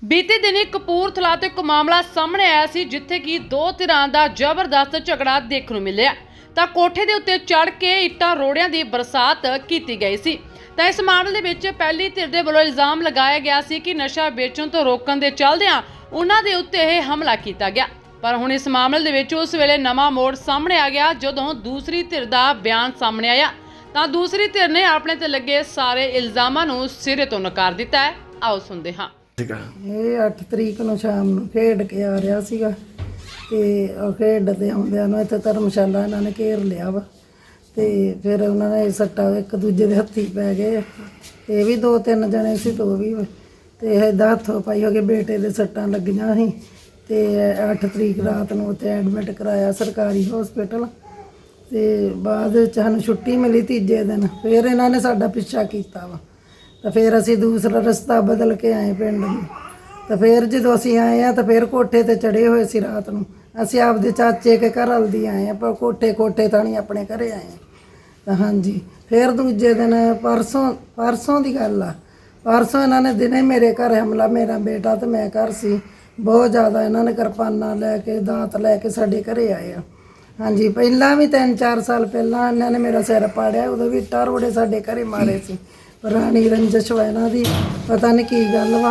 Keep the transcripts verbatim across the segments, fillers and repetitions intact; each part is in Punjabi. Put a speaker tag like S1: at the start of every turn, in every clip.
S1: बीते दिनी कपूरथला तो एक मामला सामने आया सी जिथे कि दो धिरां दा जबरदस्त झगड़ा देखने मिलिया। तां कोठे दे उत्ते चढ़ के इट्टां रोड़ियां दी बरसात कीती गई सी। तां इस मामले दे विच पहली धिर दे वल्लों इल्जाम लगाया गया सी कि नशा बेचण तो रोकण दे चलदिआं उन्हां दे उत्ते इह हमला कीता गया। पर हुण इस मामले दे विच उस वेले नवां मोड़ सामने आ गया जदों दूसरी धिर दा बयान सामने आया। तां दूसरी धिर ने अपने ते लगे सारे इल्जामां नूं सिरे तो नकार दिता है। आओ सुनदे हां।
S2: ਇਹ ਅੱਠ ਤਰੀਕ ਨੂੰ ਸ਼ਾਮ ਨੂੰ ਖੇਡ ਕੇ ਆ ਰਿਹਾ ਸੀਗਾ ਤੇ ਉਹ ਖੇਡਦੇ ਆਉਂਦਿਆਂ ਨੂੰ ਇੱਥੇ ਧਰਮਸ਼ਾਲਾ ਇਹਨਾਂ ਨੇ ਘੇਰ ਲਿਆ ਵਾ ਤੇ ਫਿਰ ਉਹਨਾਂ ਨੇ ਸੱਟਾ ਇੱਕ ਦੂਜੇ ਦੇ ਹੱਥੀ ਪੈ ਗਏ। ਇਹ ਵੀ ਦੋ ਤਿੰਨ ਜਣੇ ਸੀ ਤੋਂ ਵੀ ਤੇ ਇਹਦਾ ਹੱਥੋਂ ਪਾਈ ਹੋ ਕੇ ਬੇਟੇ ਦੇ ਸੱਟਾਂ ਲੱਗੀਆਂ ਸੀ ਤੇ ਅੱਠ ਤਰੀਕ ਰਾਤ ਨੂੰ ਉੱਥੇ ਐਡਮਿਟ ਕਰਾਇਆ ਸਰਕਾਰੀ ਹਸਪੀਟਲ ਤੇ ਬਾਅਦ ਵਿੱਚ ਸਾਨੂੰ ਛੁੱਟੀ ਮਿਲੀ ਤੀਜੇ ਦਿਨ। ਫਿਰ ਇਹਨਾਂ ਨੇ ਸਾਡਾ ਪਿੱਛਾ ਕੀਤਾ ਵਾ ਤਾਂ ਫਿਰ ਅਸੀਂ ਦੂਸਰਾ ਰਸਤਾ ਬਦਲ ਕੇ ਆਏ ਪਿੰਡ ਨੂੰ। ਤਾਂ ਫਿਰ ਜਦੋਂ ਅਸੀਂ ਆਏ ਆ ਤਾਂ ਫਿਰ ਕੋਠੇ ਤੇ ਚੜੇ ਹੋਏ ਸੀ ਰਾਤ ਨੂੰ। ਅਸੀਂ ਆਪਦੇ ਚਾਚੇ ਕੇ ਘਰ ਹਲਦੀ ਆਏ ਆ ਪਰ ਕੋਠੇ ਕੋਠੇ ਤਾਂ ਨਹੀਂ ਆਪਣੇ ਘਰੇ ਆਏ ਤਾਂ ਹਾਂਜੀ। ਫਿਰ ਦੂਜੇ ਦਿਨ ਪਰਸੋਂ ਪਰਸੋਂ ਦੀ ਗੱਲ ਆ ਪਰਸੋਂ ਇਹਨਾਂ ਨੇ ਦਿਨੇ ਮੇਰੇ ਘਰ ਹਮਲਾ, ਮੇਰਾ ਬੇਟਾ ਤੇ ਮੈਂ ਘਰ ਸੀ, ਬਹੁਤ ਜ਼ਿਆਦਾ ਇਹਨਾਂ ਨੇ ਕਿਰਪਾਨਾਂ ਲੈ ਕੇ ਦਾਤ ਲੈ ਕੇ ਸਾਡੇ ਘਰੇ ਆਏ ਆ। ਹਾਂਜੀ ਪਹਿਲਾਂ ਵੀ ਤਿੰਨ ਚਾਰ ਸਾਲ ਪਹਿਲਾਂ ਇਹਨਾਂ ਨੇ ਮੇਰਾ ਸਿਰ ਪਾੜਿਆ, ਉਦੋਂ ਵੀ ਇੱਟਾਂ ਰੋੜੇ ਸਾਡੇ ਘਰੇ ਮਾਰੇ ਸੀ। ਪੁਰਾਣੀ ਰੰਜਿਸ਼ ਵਾ ਇਹਨਾਂ ਦੀ, ਪਤਾ ਨਹੀਂ ਕੀ ਗੱਲ ਵਾ।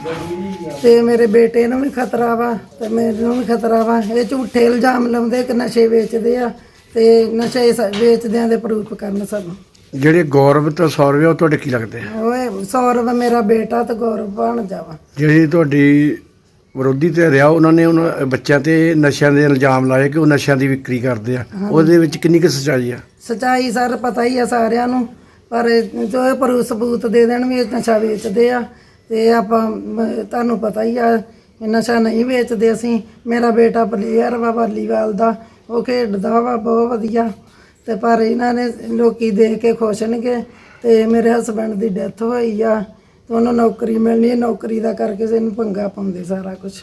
S2: ਤੇ ਮੇਰੇ ਬੇਟੇ ਨੂੰ ਵੀ ਖਤਰਾ ਵਾ ਤੇ ਮੈਨੂੰ ਵੀ ਖਤਰਾ ਵਾ। ਇਹ ਝੂਠੇ ਇਲਜ਼ਾਮ ਲਾਉਂਦੇ ਕਿ ਨਸ਼ੇ ਵੇਚਦੇ ਆ ਤੇ ਨਸ਼ੇ ਵੇਚਦਿਆਂ ਦੇ ਪ੍ਰੂਫ ਕਰਨ ਸਾਨੂੰ।
S3: ਜਿਹੜੇ ਗੌਰਵ ਤੇ ਸੌਰਵ ਉਹ ਤੁਹਾਡੇ ਕੀ ਲੱਗਦੇ ਆ?
S2: ਓਏ ਸੌਰਵ ਮੇਰਾ ਬੇਟਾ ਤੇ ਗੌਰਵ ਭਾਣਜਾ ਵਾ।
S3: ਜਿਹੜੀ ਤੁਹਾਡੀ ਵਿਰੋਧੀ ਤੇ ਰਿਹਾ ਉਹਨਾਂ ਨੇ ਉਹਨਾਂ ਬੱਚਿਆਂ ਤੇ ਨਸ਼ਿਆਂ ਦੇ ਇਲਜ਼ਾਮ ਲਾਏ ਕਿ ਉਹ ਨਸ਼ਿਆਂ ਦੀ ਵਿਕਰੀ ਕਰਦੇ ਆ, ਉਹਦੇ ਵਿੱਚ ਕਿੰਨੀ ਕੁ ਸੱਚਾਈ ਆ? ਸੱਚਾਈ
S2: ਸਰ ਪਤਾ ਹੀ ਆ ਸਾਰਿਆਂ ਨੂੰ, ਪਰ ਜੋ ਇਹ ਪ੍ਰੂਫ ਸਬੂਤ ਦੇ ਦੇਣ ਵੀ ਨਸ਼ਾ ਵੇਚਦੇ ਆ ਤੇ ਆਪਾਂ ਤੁਹਾਨੂੰ ਪਤਾ ਹੀ ਆ ਨਸ਼ਾ ਨਹੀਂ ਵੇਚਦੇ ਅਸੀਂ। ਮੇਰਾ ਬੇਟਾ ਪਲੇਅਰ ਵਾ ਵਾਲੀਬਾਲ ਦਾ, ਉਹ ਖੇਡਦਾ ਵਾ ਬਹੁਤ ਵਧੀਆ ਤੇ ਪਰ ਇਹਨਾਂ ਨੇ ਲੋਕੀ ਦੇਖ ਕੇ ਖੁਸ਼ ਨੇਗੇ। ਤੇ ਮੇਰੇ ਹਸਬੈਂਡ ਦੀ ਡੈਥ ਹੋਈ ਆ ਤੇ ਉਹਨੂੰ ਨੌਕਰੀ ਮਿਲਣੀ ਹੈ, ਨੌਕਰੀ ਦਾ ਕਰਕੇ ਇਹਨੂੰ ਪੰਗਾ ਪਾਉਂਦੇ ਸਾਰਾ ਕੁਝ।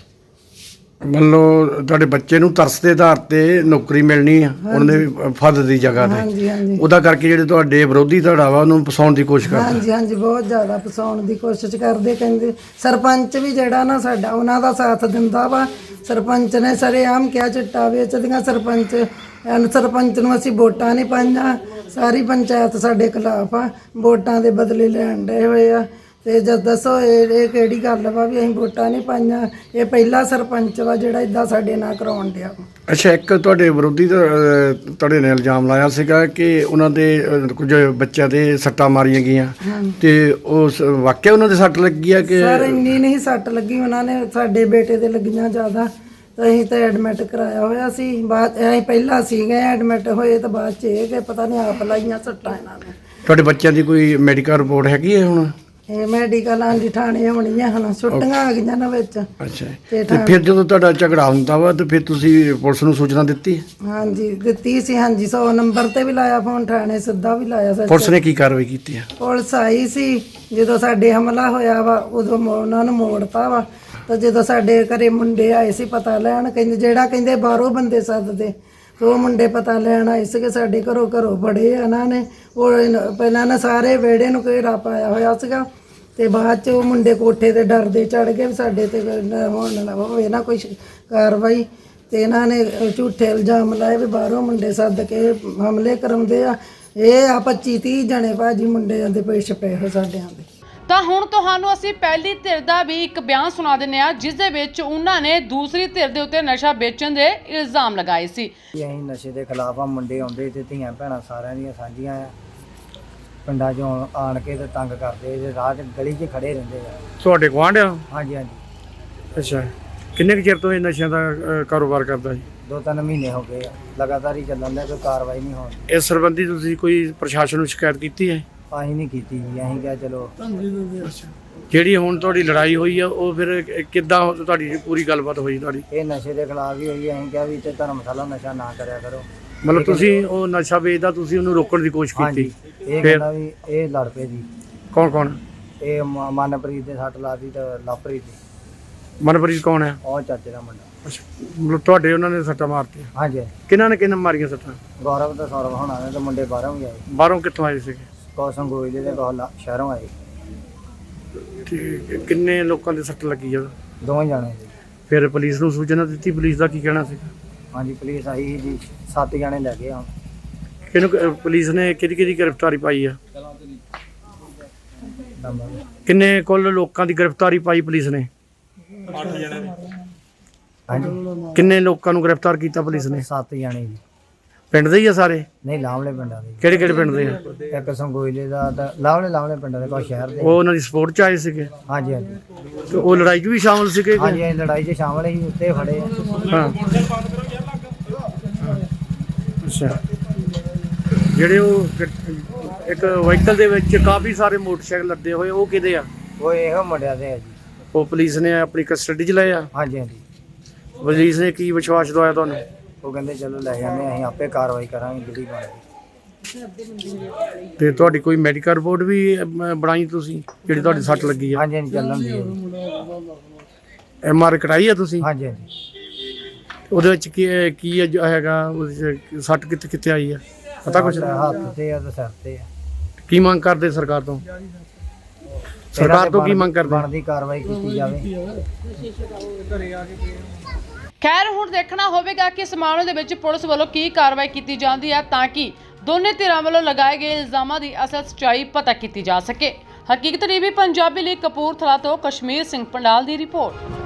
S3: ਮੰਨ ਲਓ ਤੁਹਾਡੇ ਬੱਚੇ ਨੂੰ ਤਰਸ ਦੇ ਆਧਾਰ ਤੇ ਨੌਕਰੀ ਮਿਲਣੀ ਆ ਉਹਨਾਂ ਦੇ ਫੱਦ ਦੀ ਜਗ੍ਹਾ ਤੇ,
S2: ਹਾਂਜੀ ਹਾਂਜੀ,
S3: ਉਹਦਾ ਕਰਕੇ ਜਿਹੜੇ ਤੁਹਾਡੇ ਵਿਰੋਧੀ ਧੜਾ ਵਾ ਉਹਨੂੰ ਫਸਾਉਣ ਦੀ ਕੋਸ਼ਿਸ਼ ਕਰਦੇ।
S2: ਹਾਂਜੀ ਹਾਂਜੀ ਬਹੁਤ ਜ਼ਿਆਦਾ ਫਸਾਉਣ ਦੀ ਕੋਸ਼ਿਸ਼ ਕਰਦੇ। ਕਹਿੰਦੇ ਸਰਪੰਚ ਵੀ ਜਿਹੜਾ ਨਾ ਸਾਡਾ ਉਹਨਾਂ ਦਾ ਸਾਥ ਦਿੰਦਾ ਵਾ। ਸਰਪੰਚ ਨੇ ਸਰੇਆਮ ਕਿਹਾ ਚਿੱਟਾ ਵੇਚਦੀਆਂ। ਸਰਪੰਚ ਐਨ ਸਰਪੰਚ ਨੂੰ ਅਸੀਂ ਵੋਟਾਂ ਨਹੀਂ ਪਾਈਆਂ, ਸਾਰੀ ਪੰਚਾਇਤ ਸਾਡੇ ਖਿਲਾਫ ਆ, ਵੋਟਾਂ ਦੇ ਬਦਲੇ ਲੈਣ ਡਏ ਹੋਏ ਆ। ਤੇ ਜਦ ਦੱਸੋ ਇਹ ਇਹ ਕਿਹੜੀ ਗੱਲ ਵਾ ਵੀ ਅਸੀਂ ਵੋਟਾਂ ਨਹੀਂ ਪਾਈਆਂ? ਇਹ ਪਹਿਲਾ ਸਰਪੰਚ ਵਾ ਜਿਹੜਾ ਇਦਾਂ ਸਾਡੇ ਨਾਲ ਕਰਾਉਣ ਡਿਆ।
S3: ਅੱਛਾ, ਇੱਕ ਤੁਹਾਡੇ ਵਿਰੋਧੀ ਤੁਹਾਡੇ ਨੇ ਇਲਜ਼ਾਮ ਲਾਇਆ ਸੀਗਾ ਕਿ ਉਹਨਾਂ ਦੇ ਕੁਝ ਬੱਚਿਆਂ ਦੇ ਸੱਟਾਂ ਮਾਰੀਆਂ ਗਈਆਂ ਤੇ ਉਸ ਵਾਕਿਆ ਉਹਨਾਂ ਦੇ ਸੱਟ ਲੱਗੀ ਆ? ਕਿ
S2: ਸਰ ਇੰਨੀ ਨਹੀਂ ਸੱਟ ਲੱਗੀ, ਉਹਨਾਂ ਨੇ ਸਾਡੇ ਬੇਟੇ ਦੇ ਲੱਗੀਆਂ ਜ਼ਿਆਦਾ। ਤਾਂ ਅਸੀਂ ਤਾਂ ਐਡਮਿਟ ਕਰਾਇਆ ਹੋਇਆ ਸੀ। ਬਾਅਦ ਅਸੀਂ ਪਹਿਲਾਂ ਸੀਗੇ ਐਡਮਿਟ ਹੋਏ ਤਾਂ ਬਾਅਦ 'ਚ ਇਹ ਕਿ ਪਤਾ ਨਹੀਂ ਆਪ ਲਾਈਆਂ ਸੱਟਾਂ ਇਹਨਾਂ ਨੇ।
S3: ਤੁਹਾਡੇ ਬੱਚਿਆਂ ਦੀ ਕੋਈ ਮੈਡੀਕਲ ਰਿਪੋਰਟ ਹੈਗੀ ਹੈ ਹੁਣ? ਇਹ
S2: ਮੈਡੀਕਲਾਂ ਦੀ ਥਾਣੇ ਹੋਣੀਆਂ ਹੁਣ, ਛੁੱਟੀਆਂ ਆ ਗਈਆਂ ਨਾ ਵਿੱਚ।
S3: ਅੱਛਾ, ਤੇ ਫਿਰ ਜਦੋਂ ਤੁਹਾਡਾ ਝਗੜਾ ਹੁੰਦਾ ਵਾ ਤੇ ਫਿਰ ਤੁਸੀਂ ਪੁਲਿਸ ਨੂੰ ਸੂਚਨਾ ਦਿੱਤੀ? ਹਾਂਜੀ
S2: ਦਿੱਤੀ ਸੀ। ਹਾਂਜੀ ਸੌ ਨੰਬਰ ਤੇ ਵੀ ਲਾਇਆ ਫੋਨ, ਥਾਣੇ ਸਿੱਧਾ ਵੀ ਲਾਇਆ।
S3: ਪੁਲਿਸ ਨੇ ਕੀ ਕਾਰਵਾਈ ਕੀਤੀ ਆ?
S2: ਪੁਲਿਸ ਆਈ ਸੀ ਜਦੋਂ ਸਾਡੇ ਹਮਲਾ ਹੋਇਆ ਵਾ, ਉਦੋਂ ਉਹਨਾਂ ਨੂੰ ਮੋੜਤਾ ਵਾ। ਤਾਂ ਜਦੋਂ ਸਾਡੇ ਘਰੇ ਮੁੰਡੇ ਆਏ ਸੀ ਪਤਾ ਲੈਣ, ਕਹਿੰਦੇ ਜਿਹੜਾ ਕਹਿੰਦੇ ਬਾਹਰੋਂ ਬੰਦੇ ਸੱਦਦੇ, ਉਹ ਮੁੰਡੇ ਪਤਾ ਲੈਣ ਆਏ ਸੀਗੇ ਸਾਡੇ ਘਰੋਂ। ਘਰੋਂ ਬੜੇ ਇਹਨਾਂ ਨੇ ਉਹ ਪਹਿਲਾਂ ਨਾ ਸਾਰੇ ਵਿਹੜੇ ਨੂੰ ਘੇਰਾ ਪਾਇਆ ਹੋਇਆ ਸੀਗਾ ਤੇ ਬਾਅਦ 'ਚ ਉਹ ਮੁੰਡੇ ਕੋਠੇ ਤੇ ਡਰਦੇ ਚੜ ਗਏ ਵੀ ਸਾਡੇ ਤੇ ਹੋਣ ਨਾ ਹੋਵੇ ਨਾ ਕੋਈ ਕਾਰਵਾਈ। ਤੇ ਇਹਨਾਂ ਨੇ ਝੂਠੇ ਇਲਜ਼ਾਮ ਲਾਏ ਵੀ ਬਾਹਰੋਂ ਮੁੰਡੇ ਸੱਦ ਕੇ ਹਮਲੇ ਕਰਾਉਂਦੇ ਆ। ਇਹ ਆ ਪੱਚੀ ਤੀਹ ਜਣੇ ਭਾਜੀ ਮੁੰਡਿਆਂ ਦੇ ਪਿੱਛੇ ਪਏ ਹੋ ਸਾਡਿਆਂ ਦੇ।
S1: ਤਾਂ ਹੁਣ ਤੁਹਾਨੂੰ ਅਸੀਂ ਪਹਿਲੀ ਧਿਰ ਦਾ ਵੀ ਇੱਕ ਬਿਆਨ ਸੁਣਾ ਦਿੰਦੇ ਹਾਂ ਜਿਸ ਦੇ ਵਿੱਚ ਉਹਨਾਂ ਨੇ ਦੂਸਰੀ ਧਿਰ ਦੇ ਉੱਤੇ ਨਸ਼ਾ ਵੇਚਣ ਦੇ ਇਲਜ਼ਾਮ ਲਗਾਏ ਸੀ।
S4: ਅਸੀਂ ਨਸ਼ੇ ਦੇ ਖਿਲਾਫ ਆ, ਮੁੰਡੇ ਆਉਂਦੇ ਤੇ ਧੀਆਂ ਭੈਣਾਂ ਸਾਰਿਆਂ ਦੀਆਂ ਸਾਂਝੀਆਂ ਆ, ਪਿੰਡਾਂ 'ਚੋਂ ਆਣ ਕੇ ਤੇ ਤੰਗ ਕਰਦੇ ਤੇ ਰਾਹ 'ਚ ਗਲੀ 'ਚ ਖੜੇ ਰਹਿੰਦੇ ਆ।
S3: ਤੁਹਾਡੇ ਗੁਆਂਢ ਆ?
S4: ਹਾਂਜੀ ਹਾਂਜੀ।
S3: ਅੱਛਾ, ਕਿੰਨੇ ਕੁ ਚਿਰ ਤੋਂ ਇਹ ਨਸ਼ਿਆਂ ਦਾ ਕਾਰੋਬਾਰ ਕਰਦਾ ਜੀ?
S4: ਦੋ ਤਿੰਨ ਮਹੀਨੇ ਹੋ ਗਏ ਆ, ਲਗਾਤਾਰ ਹੀ ਚੱਲਣ ਦਾ, ਕੋਈ ਕਾਰਵਾਈ ਨਹੀਂ ਹੋਣੀ।
S3: ਇਸ ਸੰਬੰਧੀ ਤੁਸੀਂ ਕੋਈ ਪ੍ਰਸ਼ਾਸਨ ਨੂੰ ਸ਼ਿਕਾਇਤ ਕੀਤੀ ਹੈ?
S4: ਅਸੀਂ ਨਹੀਂ ਕੀਤੀ ਜੀ, ਅਸੀਂ ਕਿਹਾ ਚਲੋ।
S3: ਜਿਹੜੀ ਹੁਣ ਤੁਹਾਡੀ ਲੜਾਈ ਹੋਈ ਆ ਉਹ ਫਿਰ ਕਿੱਦਾਂ ਤੁਹਾਡੀ ਪੂਰੀ ਗੱਲਬਾਤ ਹੋਈ ਤੁਹਾਡੀ?
S4: ਇਹ ਨਸ਼ੇ ਦੇ ਖਿਲਾਫ ਹੀ ਹੋਈ। ਅਸੀਂ ਕਿਹਾ ਵੀ ਇੱਥੇ ਧਰਮਸ਼ਾਲਾ ਨਸ਼ਾ ਨਾ ਕਰਿਆ ਕਰੋ।
S3: ਮਤਲਬ ਤੁਸੀਂ ਉਹ ਨਸ਼ਾ ਵੇਚਦਾ, ਤੁਸੀਂ ਉਹਨੂੰ ਰੋਕਣ ਦੀ ਕੋਸ਼ਿਸ਼ ਕੀਤੀ?
S4: ਇਹ ਕਹਿੰਦਾ ਵੀ ਇਹ ਲੜ ਪਏ ਜੀ।
S3: ਕੌਣ ਕੌਣ?
S4: ਇਹ ਮਨਪ੍ਰੀਤ ਦੇ ਸੱਟ ਲਾਤੀ ਤੇ ਲਵਪ੍ਰੀਤ ਦੀ।
S3: ਮਨਪ੍ਰੀਤ ਕੌਣ ਹੈ?
S4: ਉਹ ਚਾਚੇ ਦਾ ਮੁੰਡਾ।
S3: ਅੱਛਾ, ਮਤਲਬ ਤੁਹਾਡੇ ਉਹਨਾਂ ਨੇ ਸੱਟਾਂ ਮਾਰਤੀਆਂ?
S4: ਹਾਂਜੀ।
S3: ਕਿਹਨਾਂ ਨੇ ਕਿਹਨਾਂ ਮਾਰੀਆਂ ਸੱਟਾਂ?
S4: ਗੌਰਵ ਤੇ ਸੌਰਵ ਹੋਣਾ ਨੇ ਤੇ ਮੁੰਡੇ ਬਾਹਰੋਂ ਵੀ ਆਏ।
S3: ਬਾਹਰੋਂ ਕਿੱਥੋਂ ਆਏ ਸੀਗੇ?
S4: ਕੌਸਮ ਗੋਇਲੇ ਦੇ ਕੋਲ ਸ਼ਹਿਰੋਂ ਆਏ।
S3: ਠੀਕ ਹੈ। ਕਿੰਨੇ ਲੋਕਾਂ ਦੇ ਸੱਟ ਲੱਗੀ ਆ?
S4: ਦੋਵੇਂ ਜਾਣੇ ਜੀ।
S3: ਫਿਰ ਪੁਲਿਸ ਨੂੰ ਸੂਚਨਾ ਦਿੱਤੀ? ਪੁਲਿਸ ਦਾ ਕੀ ਕਹਿਣਾ ਸੀ?
S4: ਹਾਂਜੀ ਪੁਲਿਸ ਆਈ ਸੀ ਜੀ, ਸੱਤ ਜਾਣੇ ਲੈ ਗਏ ਆ।
S3: ਕਿਹਨੂੰ ਕ- ਪੁਲਿਸ ਨੇ ਕਿਹਦੀ ਕਿਹਦੀ ਗ੍ਰਿਫਤਾਰੀ ਪਾਈ ਆ?
S4: ਨੰਬਰ
S3: ਕਿੰਨੇ ਕੁੱਲ ਲੋਕਾਂ ਦੀ ਗ੍ਰਿਫਤਾਰੀ ਪਾਈ ਪੁਲਿਸ ਨੇ?
S4: ਹਾਂਜੀ
S3: ਕਿੰਨੇ ਲੋਕਾਂ ਨੂੰ ਗ੍ਰਿਫਤਾਰ ਕੀਤਾ ਪੁਲਿਸ ਨੇ?
S4: ਸੱਤ ਜਾਣੇ ਜੀ।
S3: ਪਿੰਡ ਦੇ ਹੀ ਆ ਸਾਰੇ?
S4: ਨਹੀਂ ਲਾਵਲੇ ਪਿੰਡਾਂ ਦੇ
S3: ਕਿਹੜੇ ਕਿਹੜੇ ਪਿੰਡ ਦੇ ਆ?
S4: ਜੀ। ਇੱਕ ਸੰਗੋਇਲੇ ਦਾ ਤਾਂ ਲਾਵਲੇ ਲਾਵਲੇ ਪਿੰਡਾਂ ਦੇ, ਕੋਈ ਸ਼ਹਿਰ ਦੇ।
S3: ਉਹ ਉਹਨਾਂ ਦੀ ਸਪੋਰਟ ਚ ਆਏ ਸੀਗੇ
S4: ਹਾਂਜੀ ਹਾਂਜੀ
S3: ਤੇ ਉਹ ਲੜਾਈ 'ਚ ਵੀ ਸ਼ਾਮਲ ਸੀਗੇ ਕਿ?
S4: ਹਾਂਜੀ ਅਸੀਂ ਲੜਾਈ 'ਚ ਸ਼ਾਮਲ ਸੀ, ਉੱਤੇ ਫੜੇ ਆ।
S3: ਹਾਂ। ਅੱਛਾ। ਜਿਹੜੇ ਉਹ ਗ- ਇੱਕ ਵਹੀਕਲ ਦੇ ਵਿੱਚ ਕਾਫੀ ਸਾਰੇ ਮੋਟਰਸਾਈਕਲ ਲੱਦੇ ਹੋਏ, ਉਹ ਕਿਹਦੇ ਆ?
S4: ਉਹ ਇਹੋ ਮੁੰਡਿਆਂ ਦੇ ਆ ਜੀ।
S3: ਉਹ ਪੁਲਿਸ ਨੇ ਆਪਣੀ ਕਸਟਡੀ 'ਚ ਲਏ ਆ?
S4: ਹਾਂਜੀ ਹਾਂਜੀ
S3: ਪੁਲਿਸ ਨੇ ਕੀ ਵਿਸ਼ਵਾਸ ਦਵਾਇਆ ਤੁਹਾਨੂੰ?
S4: ਉਹ ਕਹਿੰਦੇ ਚਲੋ ਲੈ ਜਾਂਦੇ ਹਾਂ, ਅਸੀਂ ਆਪੇ ਕਾਰਵਾਈ ਕਰਾਂਗੇ ਜਿਹੜੀ ਬਣਦੀ।
S3: ਤੇ ਤੁਹਾਡੀ ਕੋਈ ਮੈਡੀਕਲ ਰਿਪੋਰਟ ਵੀ ਅਮ, ਬਣਾਈ ਤੁਸੀਂ ਜਿਹੜੀ ਤੁਹਾਡੀ ਸੱਟ ਲੱਗੀ ਆ?
S4: ਹਾਂਜੀ ਹਾਂਜੀ ਚੱਲਣ ਦੀ ਹੈ ਜੀ।
S3: ਐਮ ਆਰ ਕਰਾਈ ਆ ਤੁਸੀਂ?
S4: ਹਾਂਜੀ ਹਾਂਜੀ
S3: ਉਹਦੇ ਵਿੱਚ ਕੀ ਕੀ ਹੈ ਜੋ ਹੈਗਾ ਉਹਦੇ 'ਚ ਸੱਟ ਕਿੱਥੇ ਕਿੱਥੇ ਆਈ ਆ ਪਤਾ ਕੁਛ?
S4: ਹੱਥ ਤੇ ਆ ਤੇ ਸਿਰ ਤੇ ਆ।
S3: ਕੀ ਮੰਗ ਕਰਦੇ ਸਰਕਾਰ ਤੋਂ? ਸਰਕਾਰ ਤੋਂ ਕੀ ਮੰਗ ਕਰਦੇ?
S4: ਬਣਦੀ ਕਾਰਵਾਈ ਕੀਤੀ ਜਾਵੇ।
S1: ਖੈਰ ਹੁਣ ਦੇਖਣਾ ਹੋਵੇਗਾ ਕਿ ਇਸ ਮਾਮਲੇ ਦੇ ਵਿੱਚ ਪੁਲਿਸ ਵੱਲੋਂ ਕੀ ਕਾਰਵਾਈ ਕੀਤੀ ਜਾਂਦੀ ਹੈ ਤਾਂ ਕਿ ਦੋਨੇ ਧਿਰਾਂ ਵੱਲੋਂ ਲਗਾਏ ਗਏ ਇਲਜ਼ਾਮਾਂ ਦੀ ਅਸਲ ਸੱਚਾਈ ਪਤਾ ਕੀਤੀ ਜਾ ਸਕੇ। ਹਕੀਕਤ ਟੀਵੀ ਪੰਜਾਬੀ ਲਈ ਕਪੂਰਥਲਾ ਤੋਂ ਕਸ਼ਮੀਰ ਸਿੰਘ ਪੰਡਾਲ ਦੀ ਰਿਪੋਰਟ।